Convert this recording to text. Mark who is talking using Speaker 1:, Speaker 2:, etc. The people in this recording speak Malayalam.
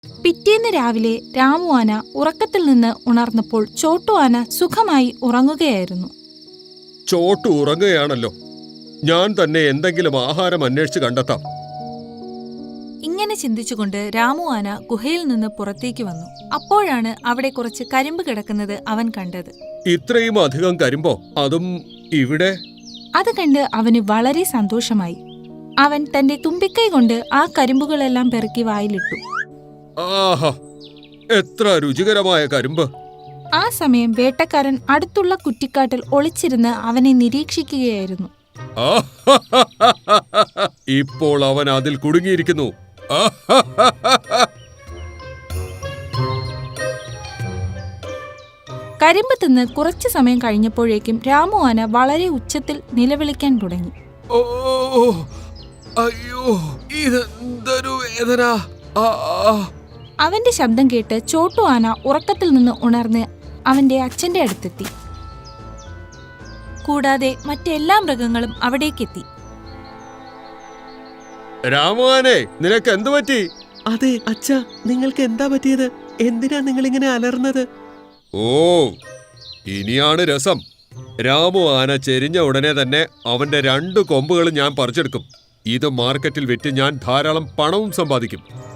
Speaker 1: പിറ്റേന്ന് രാവിലെ രാമു ആന ഉറക്കത്തിൽ നിന്ന് ഉണർന്നപ്പോൾ ചോട്ടു ആന സുഖമായി ഉറങ്ങുകയായിരുന്നു.
Speaker 2: ചോട്ടു ഉറങ്ങുകയാണല്ലോ. ഞാൻ തന്നെ എന്തെങ്കിലും ആഹാരം അന്വേഷിച്ച് കണ്ടെത്താം.
Speaker 1: ഇങ്ങനെ ചിന്തിച്ചുകൊണ്ട് രാമു ആന ഗുഹയിൽ നിന്ന് പുറത്തേക്ക് വന്നു. അപ്പോഴാണ് അവിടെ കുറച്ച് കരിമ്പ് കിടക്കുന്നത് അവൻ കണ്ടത്.
Speaker 2: ഇത്രയും അധികം കരിമ്പോ, അതും ഇവിടെ?
Speaker 1: അത് കണ്ട് അവന് വളരെ സന്തോഷമായി. അവൻ തന്റെ തുമ്പിക്കൈ കൊണ്ട് ആ കരിമ്പുകളെല്ലാം പെറുക്കി വായിലിട്ടു.
Speaker 2: ആഹാ, എത്ര രുചികരമായ കരിമ്പ്!
Speaker 1: ആ സമയം വേട്ടക്കാരൻ അടുത്തുള്ള കുറ്റിക്കാട്ടിൽ ഒളിച്ചിരുന്ന് അവനെ നിരീക്ഷിക്കുകയായിരുന്നു.
Speaker 2: ഇപ്പോൾ അവൻ അതിൽ കുടുങ്ങിയിരിക്കുന്നു.
Speaker 1: കരിമ്പ് തിന്ന് കുറച്ചു സമയം കഴിഞ്ഞപ്പോഴേക്കും രാമു ആന വളരെ ഉച്ചത്തിൽ നിലവിളിക്കാൻ തുടങ്ങി.
Speaker 2: ഓ, അയ്യോ, ഇതെന്തൊരു വേദന!
Speaker 1: അവന്റെ ശബ്ദം കേട്ട് ചോട്ടു ആന ഉറക്കത്തിൽ നിന്ന് ഉണർന്ന് അവന്റെ അച്ഛന്റെ അടുത്തെത്തി. കൂടാതെ മറ്റെല്ലാ മൃഗങ്ങളും അവിടേക്കെത്തി.
Speaker 2: രാമുവാനെ, നിനക്ക് എന്തു പറ്റി?
Speaker 3: അതെ അച്ഛാ, നിങ്ങൾക്ക് എന്താ പറ്റിയത്? എന്തിനാ നിങ്ങൾ ഇങ്ങനെ അലർന്നത്?
Speaker 2: ഓ, ഇനിയാണ് രസം. രാമു ആന ചെരിഞ്ഞ ഉടനെ തന്നെ അവന്റെ 2 കൊമ്പുകളും ഞാൻ പറിച്ചെടുക്കും. ഇത് മാർക്കറ്റിൽ വിറ്റ് ഞാൻ ധാരാളം പണവും സമ്പാദിക്കും.